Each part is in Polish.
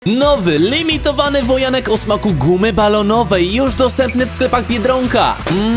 Nowy, limitowany wojanek o smaku gumy balonowej, już dostępny w sklepach Biedronka.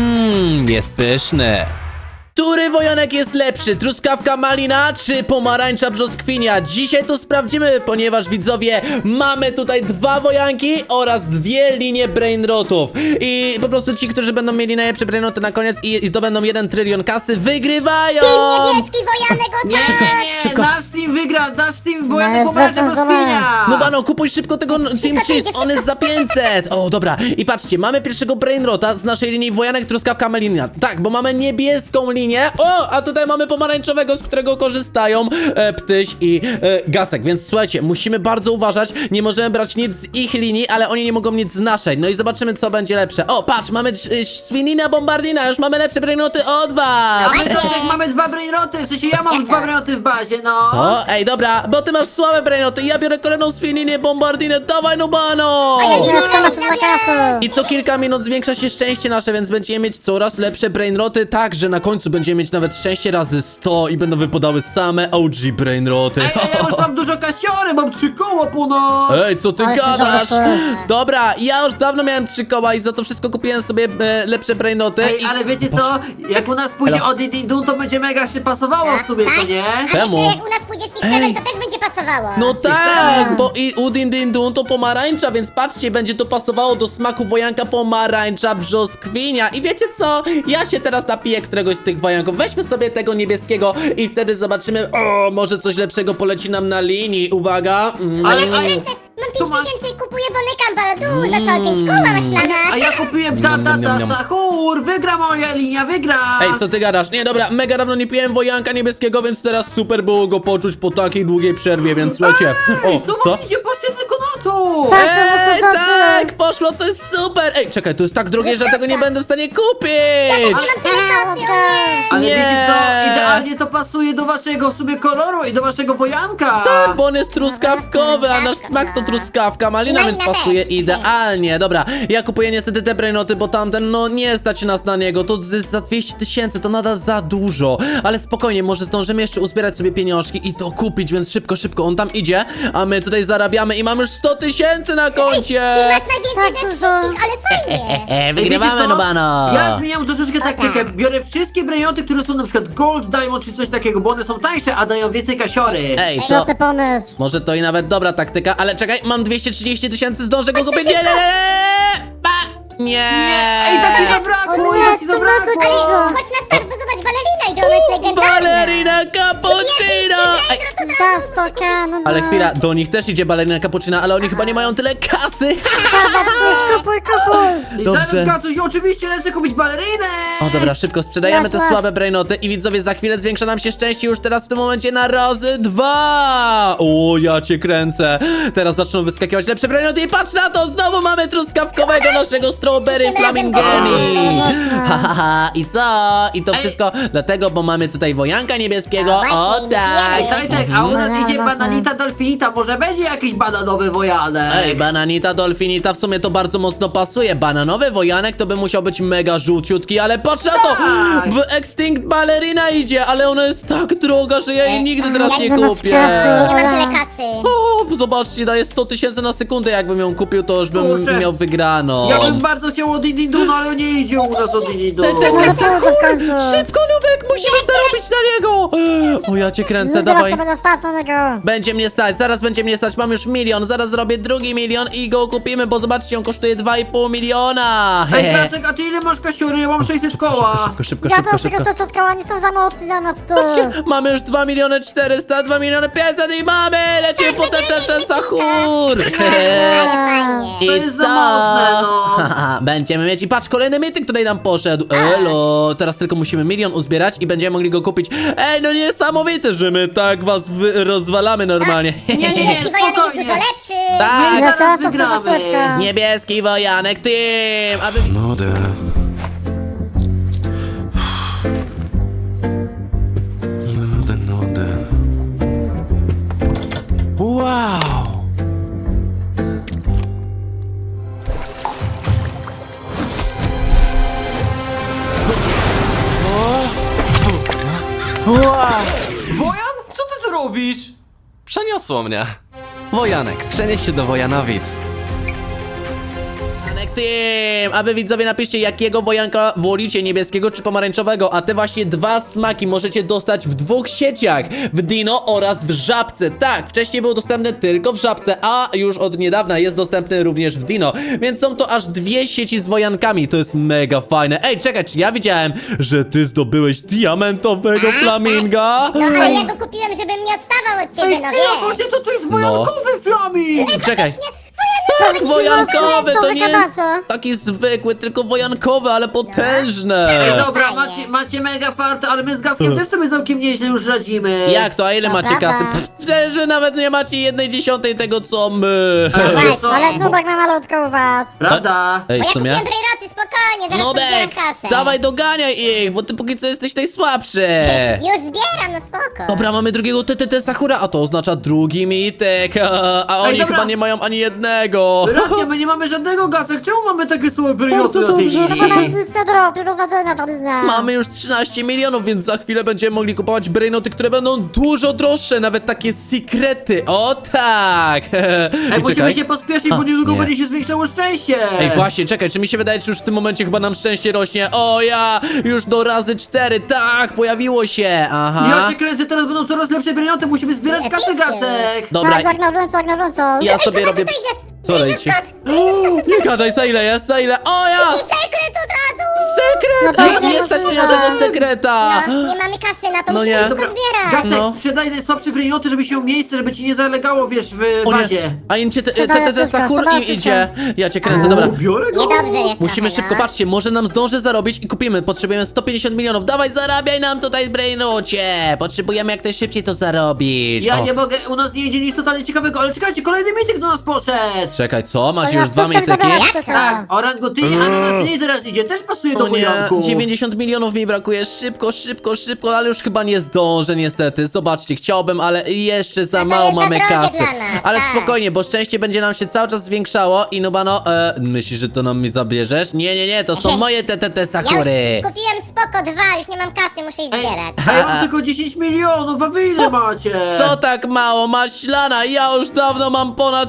Jest pyszny. Który wojanek jest lepszy? Truskawka malina czy pomarańcza brzoskwinia? Dzisiaj to sprawdzimy, ponieważ widzowie, mamy tutaj dwa wojanki oraz dwie linie brainrotów. I po prostu ci, którzy będą mieli najlepsze brainroty na koniec i zdobędą 1 trylion kasy, wygrywają! Team niebieski wojanek, o Nie, tak! nie, szybko. nasz team wygra, nasz team, bo ja No, nie pomarańcza do zobacz. spinia. No bano, kupuj szybko tego Team Wszystko Cheese, przyjdzie, on jest za 500! O, dobra, i patrzcie, mamy pierwszego brainrota z naszej linii wojanek, truskawka malina. Tak, bo mamy niebieską linię. O, a tutaj mamy pomarańczowego, z którego korzystają Ptyś i Gacek, więc słuchajcie, musimy bardzo uważać, nie możemy brać nic z ich linii, ale oni nie mogą nic z naszej. No i zobaczymy, co będzie lepsze. O, patrz, mamy Swinina Bombardina, już mamy lepsze brainroty od was! A my tak mamy dwa brainroty, w sensie ja mam dwa brainroty w bazie, no. O, ej, dobra, bo ty masz słabe brainoty, ja biorę kolejną Swininie Bombardinę, dawaj no bano! Niebieską masz dla kasy. I co kilka minut zwiększa się szczęście nasze, więc będziemy mieć coraz lepsze brainroty, tak, że na końcu będziemy mieć nawet szczęście razy 100 i będą wypadały same OG brainroty. Ej, ja już mam dużo kasiory, mam 3 koła ponad. Ej, co ty Ale gadasz? super. Dobra, ja już dawno miałem 3 koła i za to wszystko kupiłem sobie lepsze brainoty. Ej, i... ale wiecie co? Jak u nas pójdzie Elo. od Dindun, to będzie mega się pasowało w sobie, co nie? A Czemu? myślę, jak u nas pójdzie Six Ej. Seven, to też będzie pasowało. No tak, Six-Seven. bo i u Din Din Dun to pomarańcza, więc patrzcie, będzie to pasowało do smaku wojanka pomarańcza brzoskwinia. I wiecie co? Ja się teraz napiję któregoś z tych wojanków. Weźmy sobie tego niebieskiego i wtedy zobaczymy, o, może coś lepszego poleci nam na linii. Uwaga. Ale- Ja cię ale- kręcę, mam Tu 5 masz- tysięcy i kupuję bonek Ambalodu za całe 5 koła maślana. A ja kupiłem Niam, niam, niam, niam. Sahur, wygra moja linia, wygra. Ej, co ty gadasz? Nie, dobra, mega dawno nie piłem wojanka niebieskiego, więc teraz super było go poczuć po takiej długiej przerwie, więc słuchajcie. Ej, O, co wam idzie? Patrzcie tylko na to. Tak, to mocno Ej, zacy. tak, poszło coś super! Ej, czekaj, to jest tak drogie, że tego nie będę w stanie kupić! Mam tyle kasy, o nie. Ale Nie. wiecie co? Idealnie to pasuje do waszego w sumie koloru i do waszego wojanka. Tak, bo on jest truskawkowy, a nasz smak to truskawka. Malina, I więc malina pasuje też. idealnie. Dobra, ja kupuję niestety te brainoty, bo tamten, no nie stać nas na niego. To jest za 200 tysięcy, to nadal za dużo. Ale spokojnie, może zdążymy jeszcze uzbierać sobie pieniążki i to kupić, więc szybko, szybko. On tam idzie, a my tutaj zarabiamy i mamy już 100 tysięcy na koncie. Ty masz najwięcej Tak z nas dużo. wszystkich, ale fajnie. Ej, wiecie Wygrywamy, co? no bano. Ja zmieniam troszeczkę taktykę. Biorę wszystkie brainoty, które są na przykład Gold, Diamond czy coś takiego, bo one są tańsze, a dają więcej kasiory. Ej, to... Świetny pomysł. Może to i nawet dobra taktyka, ale czekaj, mam 230 tysięcy, zdążę go kupić. Nie, nie, szybko. nie, nie. Ej, tak ci zabrakło, O nie, tak ci to zabrakło. bardzo- Chodź na start, bo zobacz, balerina idzie, ona jest legendarna. Balerina cappuccino! Ej, Za 100k, no ale no. chwila, do nich też idzie balerina cappuccina, ale oni chyba nie mają tyle kasy. Trzeba coś, kupuj, kupuj. I Dobrze. zaraz Gacuś, i oczywiście lecę kupić balerynę. O dobra, szybko sprzedajemy te Masz. słabe brainoty i widzowie, za chwilę zwiększa nam się szczęście już teraz w tym momencie na razy 2. O, ja cię kręcę. Teraz zaczną wyskakiwać lepsze brainoty i patrz na to, znowu mamy truskawkowego naszego strawberry Tym razem flamingeni. to Ha, ha, ha, i co? I to wszystko dlatego, bo mamy tutaj wojanka niebieskiego. O, właśnie, O tak. Ej, Tojtek, a u nas Mhm. idzie bananita dolfinita, może będzie jakiś bananowy wojanek. Ej, bananita, dolfinita, w sumie to bardzo mocno pasuje. Bananowy wojanek to by musiał być mega żółciutki, ale patrz na to! Tak. W Extinct Ballerina idzie, ale ona jest tak droga, że ja jej nigdy teraz nie jak do nas kupię. kasy. Nie mam tyle kasy. O, zobaczcie, daje 100 tysięcy na sekundę, jakbym ją kupił, to już bym Kurczę. miał wygrano. Ja bym bardzo chciał od Dindun, ale nie idzie u nas od Dindun. Ten też No jest to w końcu. Szybko, Nubek, musimy zarobić na niego! O, ja cię kręcę, No teraz dawaj. to będę stać na niego. Będzie mnie stać, zaraz będzie mnie stać, mam już 1 milion, zaraz zrobię drugi milion i go kupimy, bo zobaczcie, on kosztuje 2,5 miliona. Ej, Gacek, a ty ile masz kasiory? Ja mam 600 koła. Szybko, szybko, Ja szybko, też szybko. tylko sosowska, oni są za mocni dla nas tu. Patrzcie, mamy już 2 miliony 400, 2 miliony 500 i mamy! Lecimy po ten sahur! Ale fajnie. I To jest co? za mocne, no. Haha, będziemy mieć i patrz, kolejny mityk tutaj nam poszedł. Elo, teraz tylko musimy 1 milion uzbierać i będziemy mogli go kupić. Ej, no niesamowite, że my tak was rozwalamy normalnie. Nie, nie, nie, Niebieski wojanek jest spokojnie. dużo lepszy. Tak. My No zaraz co, to wygramy. sosowka. Niebieski wojanek, team! Aby... Nudę. Nudę. Wow! Wojan, co ty zrobisz? Przeniosło mnie. Wojanek, przenieś się do Wojanowic. Team! A wy widzowie napiszcie, jakiego wojanka wolicie, niebieskiego czy pomarańczowego, a te właśnie dwa smaki możecie dostać w dwóch sieciach, w Dino oraz w Żabce. Tak, wcześniej był dostępny tylko w Żabce, a już od niedawna jest dostępny również w Dino, więc są to aż dwie sieci z wojankami, to jest mega fajne. Ej, czekaj, czy ja widziałem, że ty zdobyłeś diamentowego flaminga? No ale ja go kupiłem, żeby mnie odstawał od ciebie, Ej, no chwila, wiesz. właśnie to tu jest wojankowy flaming! Czekaj. Tak, Wojankowy, to nie jest gadacie? taki zwykły, tylko wojankowy, ale potężne. Ej, dobra, Fajnie. macie mega farta, ale my z Gackiem też sobie całkiem nieźle już radzimy. Jak to? A ile To macie prawda. kasy? Pff, przecież wy nawet nie macie 1/10 tego, co my. Ej, wiesz co? Ale Nubek ma malutko u was. Prawda? Ej, Bo w ja sumie? kupiłem brejroty, spokojnie, zaraz podbieram Nubek, kasę. dawaj doganiaj ich, bo ty póki co jesteś najsłabszy. Już zbieram, no spoko. Dobra, mamy drugiego TTT Sakura, a to oznacza drugi mitek, a oni dobra. chyba nie mają ani jednego. Racja, my nie mamy żadnego Gacek, czemu mamy takie słabe bryloty Bardzo na tej dobrze. Bo nam linii? nic nie dropi, bez znaczenia ta linia. Mamy już 13 milionów, więc za chwilę będziemy mogli kupować brainoty, które będą dużo droższe, nawet takie sekrety. O tak! Ej, I musimy czekaj. się pospieszyć, bo A, niedługo nie. będzie się zwiększało szczęście. Ej, właśnie, czekaj, czy mi się wydaje, czy już w tym momencie chyba nam szczęście rośnie? O ja, już do razy 4, tak, pojawiło się, Ja aha. cię kręcę, teraz będą coraz lepsze bryloty, musimy zbierać kasę, Epickie. Gacek. Dobra, Tak, jak na więcej, jak na więcej. ja sobie robię... Co leci? Nie gadaj, za ile jest, za ile? O ja! I sekret od razu! Sekret! No to Ej, nie nie stać mnie możliwe. na tego sekreta! No, nie mamy kasy na to, No musimy nie. szybko zbierać. Gacek, No. sprzedaj najsłabsze bryloty, żeby się miejsce, żeby ci nie zalegało, wiesz, w O nie, bazie. a im cię Sprzedaję TTT wszystko, Sakur im sprzedaję idzie. Ja cię kręcę, dobra. O, biorę go. Niedobrze jest Musimy trochę, szybko, no. patrzcie, może nam zdąży zarobić i kupimy. Potrzebujemy 150 milionów. Dawaj, zarabiaj nam tutaj, Brainocie. Potrzebujemy jak najszybciej to zarobić. Ja O, nie mogę, u nas nie idzie nic totalnie ciekawego, ale czekajcie, kolejny mityk do nas poszedł. Czekaj, co? Macie Ja już dwa wszystko mityki? zabrałam. Tak, orangutyni, a na nas nie teraz idzie, też pasuje do O nie, wojanków. 90 milionów mi brakuje. Szybko, szybko, szybko, ale już chyba nie zdążę niestety. Zobaczcie, chciałbym, ale jeszcze za to mało jest za mamy drogie kasy. dla nas, Ale tak. spokojnie, bo szczęście będzie nam się cały czas zwiększało i Nubano, myślisz, że to nam mi zabierzesz? Nie, to są moje TTT Ja już Sakury. kupiłem spoko 2, już nie mam kasy, muszę iść Ej, zbierać. a ja mam tylko 10 milionów, a wy ile macie? Co tak mało? Maślana, ja już dawno mam ponad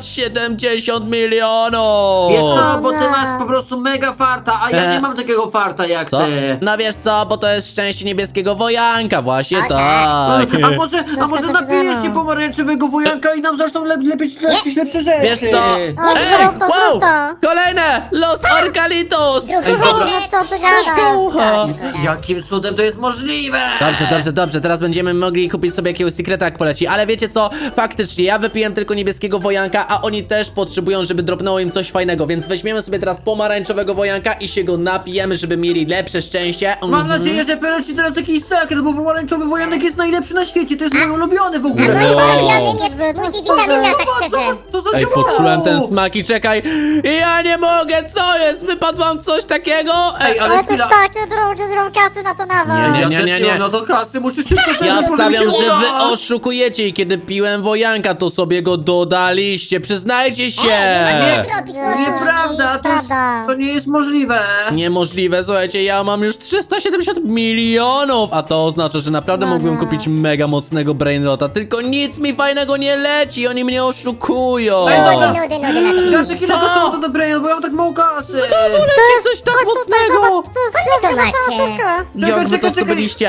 70 milionów. Wiesz co, bo ty nie. masz po prostu mega farta, a ja nie mam takiego farta jak Co? ty. No wiesz co, bo to jest szczęście niebieskiego wojanka, właśnie Okej. tak. A może to napijesz wiadomo. się pomarańczowego wojanka i nam zaczną lepiej jakieś lepsze rzeczy. Wiesz co? O, zrób to, wow! zrób to. Kolejne! Los Orcalitos! Drugi dobra. sekret. No co ty gadasz? Ucha. Jakim cudem to jest możliwe? Dobrze, teraz będziemy mogli kupić sobie jakiegoś sekreta jak poleci, ale wiecie co, faktycznie ja wypiłem tylko niebieskiego wojanka, a oni też potrzebują, żeby dropnęło im coś fajnego, więc weźmiemy sobie teraz pomarańczowego wojanka i się go napijemy, żeby mieli lepsze szczęście. Mam nadzieję, że poleci teraz jakiś sekret, bo pomarańczowy wojanek jest najlepszy na świecie, to jest mój ulubiony w ogóle. Mój Wow. ulubiony jest multivitamina, tak szczerze. Co za Ej, działa? poczułem ten smak i czekaj, ja nie mogę, co jest, wypadłam coś takiego? Ej, Ale Ale to jest chwila. takie drogie, nie mam kasy na to nawet. Nie. No to kasy, muszę szybko sobie Ja wstawiam, pożyczyć. że wy oszukujecie i kiedy piłem wojanka, to sobie go dodaliście, przyznajcie się! Nie zrobić Nieprawda, Prawda. to nie jest możliwe. Niemożliwe, słuchajcie, ja mam już 370 milionów, a to oznacza, że naprawdę No mógłbym nie. kupić mega mocnego brainrota, tylko nic mi fajnego nie leci, oni mnie oszukują! Ej, dobra. Nudy na tym. Gacek, ile Co? kosztowało to dobre, bo ja mam tak mało kasy. Leci coś tak mocnego! To jest to pies, macie? szybko. Jak wy to czekaj. zdobyliście?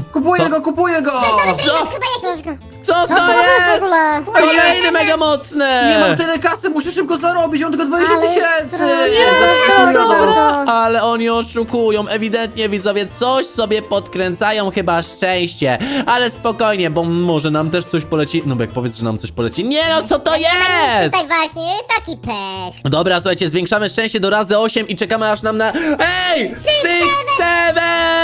Kupuję go. Co? Chyba jakiś... Co Co to to jest w jest? ogóle? Kolejny mega Nie mocny! mam tyle kasy, muszę szybko zarobić, mam tylko 20 Ale tysięcy. drogie, Dobra, ale oni oszukują, ewidentnie widzowie coś sobie podkręcają chyba szczęście, ale spokojnie, bo może nam też coś poleci. Nubek, powiedz, że nam coś poleci. Nie no, co to Nie ma nic jest? tutaj właśnie, jest taki pech. Dobra, słuchajcie, zwiększamy szczęście do razy 8 i czekamy aż nam na... Ej! 6, 7!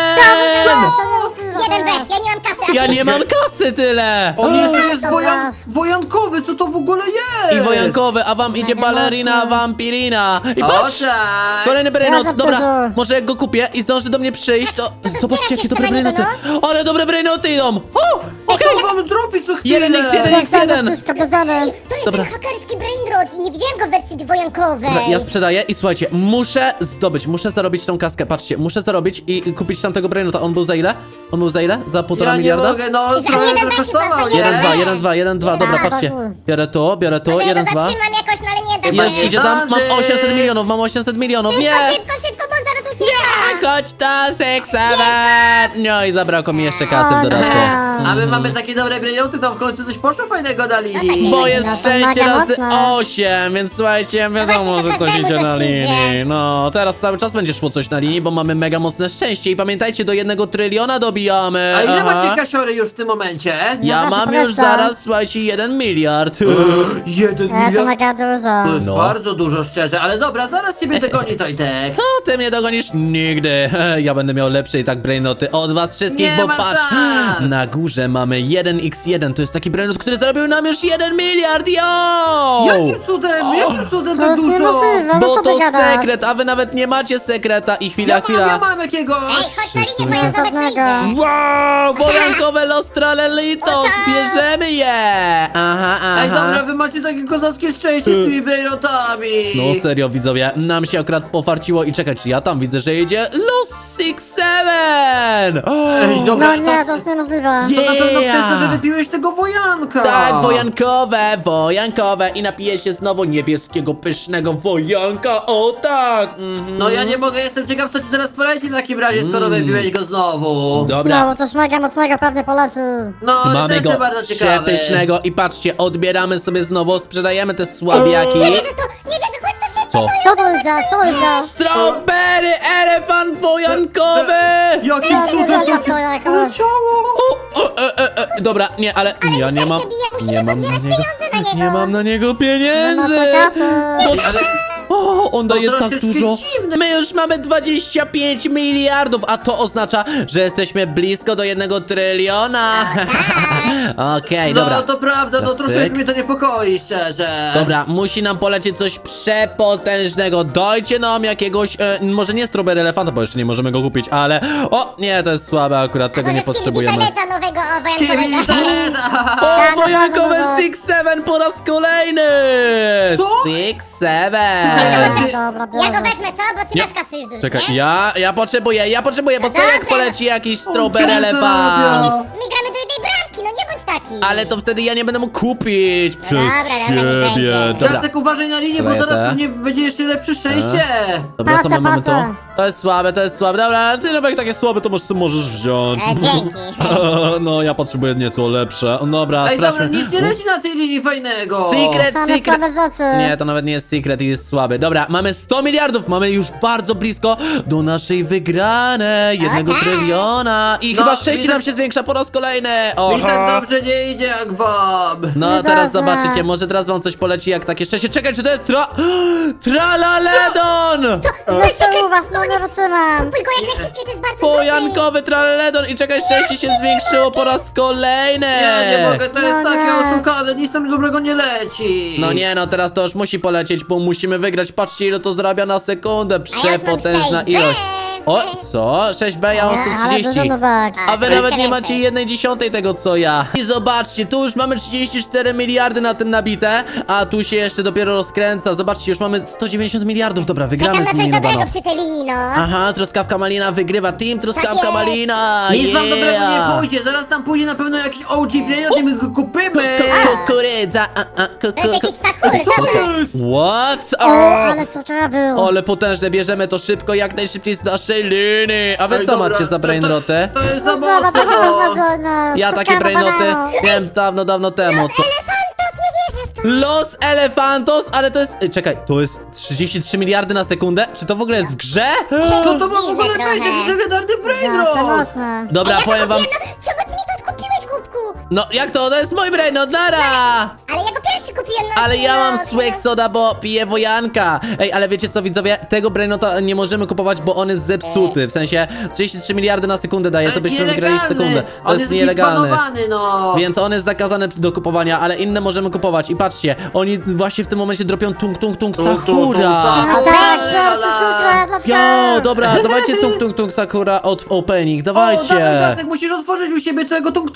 Jeden pech, ja nie mam kasy. Ja nie mam kasy tyle! On jeszcze jest Dobra. wojankowy, co to w ogóle jest? I wojankowy, a wam idzie Mega balerina, mocny. vampirina. I O patrz! tak. Kolejny brainot, Ja dobra, zapewne. może jak go kupię i zdąży do mnie przyjść, to... Zobaczcie, jakie jeszcze dobre na niego, brainoty. Ale dobre brainoty idą! O! Co wam dropi co chwilę? 1x1. Wszystko bierzemy. To jest Dobra. ten hakerski brainrot i nie widziałem go w wersji wojankowej. Dobra, ja sprzedaję i słuchajcie, muszę zarobić tą kaskę, patrzcie, muszę zarobić i kupić tamtego brainota. On był za ile? On był za ile? Za 1,5 Ja nie miliarda? mogę, no I za trochę jeden to taki kosztował, pas, nie? 1,2, dobra, Dobra, patrzcie. dobra. Biorę tu, Może ja 1, go 2. zatrzymam jakoś, no ale nie da Jest, się. Idzie tam, mam Zdążysz. 800 milionów, nie! Szybko, bo on zaraz ucieka. Chodź ta seksawa! No i zabrakło mi jeszcze kasy w dodatku. A my mamy takie dobre brainoty, tam w końcu coś poszło fajnego na linii. Bo No jest to 6 mega razy mocne. 8, więc słuchajcie, wiadomo, właśnie, że to coś każdemu idzie na coś linii. idzie. No, teraz cały czas będzie szło coś na linii, bo mamy mega mocne szczęście. I pamiętajcie, do 1 tryliona dobijamy. A ile Aha. macie kasiory już w tym momencie? Ja No, mam właśnie już polecam. zaraz, słuchajcie, 1 miliard. 1 To miliard? mega To dużo. jest No. bardzo dużo, szczerze, ale dobra, zaraz ciebie dogoni, Tojtek. Co ty mnie dogonisz? Nigdy. Ja będę miał lepsze i tak brainoty od was wszystkich, Nie bo ma patrz, szans. na górze mamy 1x1. To jest taki brainot, który zarobił nam już 1 miliard, yo! Jakim cudem To tak jest dużo? niemożliwe, Bo co ty to gadasz? sekret, a wy nawet nie macie sekreta i chwila. Ja mam jakiegoś. Ej, chodź na linię, bo ja zobacz co Żadnego. idzie. Wow, wojankowe Los Tralelitos, O tak. bierzemy je! Aha. Ej, dobra, wy macie takie kozackie szczęście z tymi brainotami. No serio, widzowie, nam się akurat pofarciło i czekaj, czy ja tam widzę, że jedzie Los 6-7! Ej, dobra. No nie, to jest niemożliwe. To na pewno przez to, że Yeah. wypiłeś tego wojanka. Tak, wojankowe i napiję się znowu niebieskiego, pysznego wojanka, o tak! No ja nie mogę, jestem ciekaw, co ci teraz poleci w takim razie, skoro wypiłeś go znowu. Dobra, No, coś mega mocnego pewnie poleci. No, mamy też go jestem bardzo ciekawy. przepysznego i patrzcie, odbieramy sobie znowu, sprzedajemy te słabiaki. Nie wierzę w to, nie wierzę, chodź tu szybko. Co? Co to idzie, co idzie? Strawberry elefant wojankowy! Jakim Ja nie cudem wierzę to w to jakoś. poleciało? Dobra, nie, ale ja mi nie serce mam. bije, musimy Nie mam na pozbierać niego. pieniądze na niego. Nie mam na niego Nie ma pieniędzy! co kasy. O, on daje tak troszeczkę dużo. dziwne. My już mamy 25 miliardów, a to oznacza, że jesteśmy blisko do 1 tryliona. Okej, No dobra. to prawda, no Teraz troszeczkę tyk. mnie to niepokoi, szczerze. Dobra, musi nam polecieć coś przepotężnego. Dajcie nam jakiegoś, może nie strawberry elefanta, bo jeszcze nie możemy go kupić, ale... O, nie, to jest słabe akurat, tego nie Może potrzebujemy. Skibidi Toileta nowego wojankowego. Kiwitaleta. O, no, wojankowe no, no. 6-7 po raz kolejny! Co? 6-7! Dobra, Ja go biorę. wezmę, co? Bo ty Nie. masz kasy już dużo, Czekaj, nie? ja potrzebuję, bo co jak Dobra. poleci jakiś strawberry Dzień elefant? zarabia. My gramy do jednej bramki, no nie bądź taki. Ale to wtedy ja nie będę mógł kupić przez dobra, nie ciebie. będzie. Dobra, Jacek, uważaj na linię, bo Sprzedaję zaraz te. pewnie będzie jeszcze lepsze szczęście. dobra, co Patrzę, mamy tu? patrzę. To jest słabe, dobra, ty jak takie słabe, to możesz wziąć. Dzięki. No, ja potrzebuję nieco lepsze. Dobra, Ej, dobra, sprawdźmy. nic nie leci na tej linii fajnego. Same słabe rzeczy. Nie, to nawet nie jest secret i jest słaby. Dobra, mamy 100 miliardów, mamy już bardzo blisko do naszej wygranej 1 tak. tryliona. I No, chyba szczęście widzę- nam się zwiększa po raz kolejny. Mi tak dobrze nie idzie jak wam. No Nie teraz dobrze. zobaczycie, może teraz wam coś poleci jak takie szczęście. Czekaj, czy to jest Tralaledon! Jeszcze u was, no nie wytrzymam. Kupuj go jak najszybciej, to jest bardzo dobry. Pojankowy Tralaledon i czekaj, szczęście się zwiększyło po raz kolejny! Ja nie mogę, to jest No takie nie. oszukane, nic tam dobrego nie leci. No nie, no teraz to już musi polecieć, bo musimy wygrać. Patrzcie, ile to zarabia na sekundę. Przepotężna 6B. ilość. O, co? 6B, ja mam Ale 130. dużo nubek. A wy troszkę nawet nie więcej. macie 1/10 tego co ja. I zobaczcie, tu już mamy 34 miliardy na tym nabite, a tu się jeszcze dopiero rozkręca. Zobaczcie, już mamy 190 miliardów. Dobra, wygramy Czekam na z coś nimi chyba, dobrego no. przy tej linii, no. Aha, Truskawka Malina wygrywa. Team Truskawka Tak jest. Malina. Nic wam dobrego nie yeah. pójdzie, zaraz tam pójdzie na pewno jakiś OG brainot i my go kupimy. Kukurydza. To jest jakiś Sakura, zobacz. What? O, ale ciekawy. Ale potężne, bierzemy to szybko, jak najszybciej z naszej linii. A wy Ej, co dobra, macie za brainroty? To jest za No zobacz, mocne, to no. was nadziejne. Ja takie brainoty miałem dawno temu. Co? Elefantos, nie wierzę w to. Los Elefantos, ale to jest... Czekaj, to jest 33 miliardy na sekundę? Czy to w ogóle jest w grze? Co to ma w Dziwne ogóle trochę. być? Jakiś legendarny Ja, to brainrot. mocne. Dobra, Ja powiem go wam... kupiłem, no. Czemu ty mi to odkupiłeś, głupku? No jak to? To jest mój brainot, nara! Ale ja go pierwszy kupiłem, no. Ale ja mam no, swag soda, bo piję wojanka. Ej, ale wiecie co, widzowie? Tego brainota nie możemy kupować, bo on jest zepsuty. W sensie 33 miliardy na sekundę daje, to byśmy wygrali w sekundę. To On jest jest nielegalny. nielegalny, no. Więc on jest zakazany do kupowania, ale inne możemy kupować. I patrzcie, oni właśnie w tym momencie dropią tung Sakura. A tak, pierwszy sekret, let's Jo, go. dobra, dawajcie tung Sakura od opening, O, dawaj, dawajcie. Gacek, musisz otworzyć u siebie tego tung-tunga.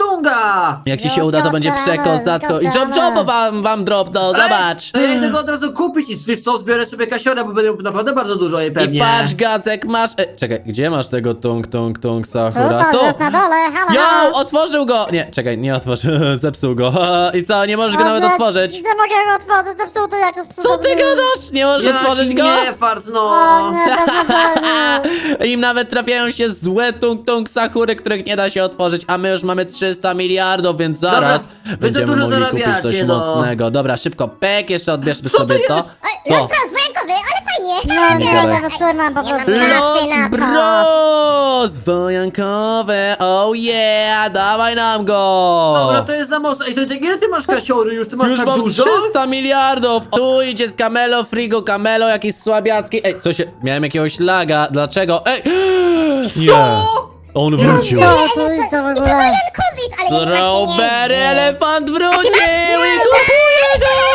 Jak ci się uda, to będzie przekozacko. I jobo wam dropną, zobacz. To ja idę go od razu kupić i wiesz co, zbiorę sobie kasiora, bo będę naprawdę bardzo dużo jej I pewnie. patrz, Gacek, masz... czekaj, gdzie masz tego tung Sakura? Tutaj jest na dole, halo, Yo, halo. otworzył go! Nie, czekaj, nie otworzył, zepsuł go. I co, nie możesz go nawet otworzyć? Nie mogę go otworzyć, zepsuty jak to jest Co ty gadasz? Nie możesz otworzyć go? Nie, fart, no. O nie, beznadziejnie. Im nawet trafiają się złe tung Sakury, których nie da się otworzyć, a my już mamy 300 miliardów, więc zaraz Dobra, wy za będziemy dużo mogli kupić coś zarabiacie, no. mocnego. Dobra, szybko, pek, jeszcze odbierzmy Co sobie to to. jest? Los To. Bros wojankowy, ale fajnie. No nie, Dawaj. nie wytrzymam po Nie mam prostu. kasy na Los to. Bros! Wojankowe, oh yeah, dawaj nam go! Dobra, to jest za mocno. Ej, to ile ty masz kasiory już? Ty masz Już tak mam dużo? 300 miliardów! Tu idzie z Camelo, Frigo, Camelo, jakiś słabiacki. Ej, co się... Miałem jakiegoś laga, dlaczego? Ej! Nie! On wrócił. Co tu idzie w ogóle? Wojankowy jest, ale nie ma Strawberry pieniędzy. elefant wrócił i kupuję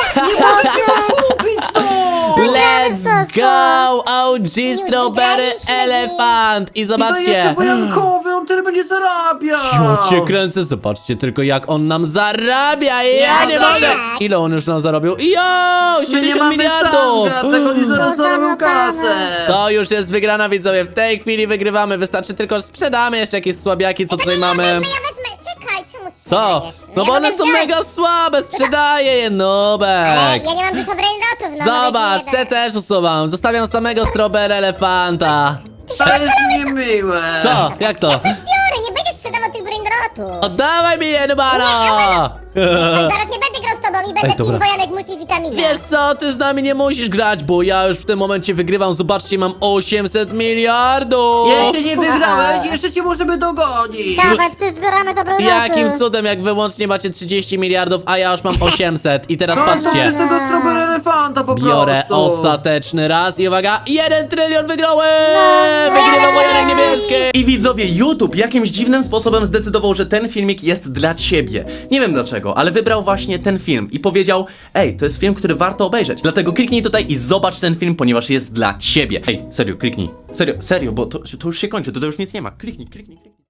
go! Kupić to! Let's go! OG Strawberry wygraliśmy elefant! I I to jest zobaczcie! wojankowy, on tyle będzie zarabiał! Ja cię kręcę, zobaczcie tylko jak on nam zarabia! Ja nie tak. mogę! Ile on już nam zarobił? Jo! My nie 70 mamy miliardów! szans, Gacek, oni zaraz zarobią kasę! To już jest wygrana, widzowie. W tej chwili wygrywamy. Wystarczy tylko, że sprzedamy jeszcze jakieś słabiaki, co tutaj mamy. Ja wezmę, czekaj, czemu Co? sprzedajesz? No Ja bo mogę one są wziąć. mega słabe, sprzedaję je, Ale nubek. ja nie mam dużo brainrotów, no Zobacz, weź mi te jeden. też usuwam. Zostawiam samego Strawberry elefanta. To jest niemiłe! Co? Jak to? Coś biorę, nie będziesz sprzedawał tych brainrotów. Oddawaj mi je, Nubaro! Zaraz nie będę grał z tobą i będę Ej, dobra. Team Wojanek multivitamina. Wiesz co, ty z nami nie musisz grać, bo ja już w tym momencie wygrywam. Zobaczcie, mam 800 miliardów! Jeszcze nie wygrałeś, jeszcze cię możemy dogonić! Dawaj, ty zbieramy dobre roty. Jakim cudem, jak wyłącznie macie 30 miliardów, a ja już mam 800. I teraz Każdy patrzcie. przez tego strawberry elefanta po Biorę prostu! ostateczny raz i uwaga, 1 trylion wygrałem! No nie! Wygrywa wojanek niebieski! I widzowie, YouTube jakimś dziwnym sposobem zdecydował, że ten filmik jest dla ciebie. Nie wiem dlaczego, ale wybrał właśnie ten film i powiedział: ej, to jest film, który warto obejrzeć. Dlatego kliknij tutaj i zobacz ten film, ponieważ jest dla ciebie. Ej, serio, kliknij. Serio, bo to już się kończy, to już nic nie ma. Kliknij.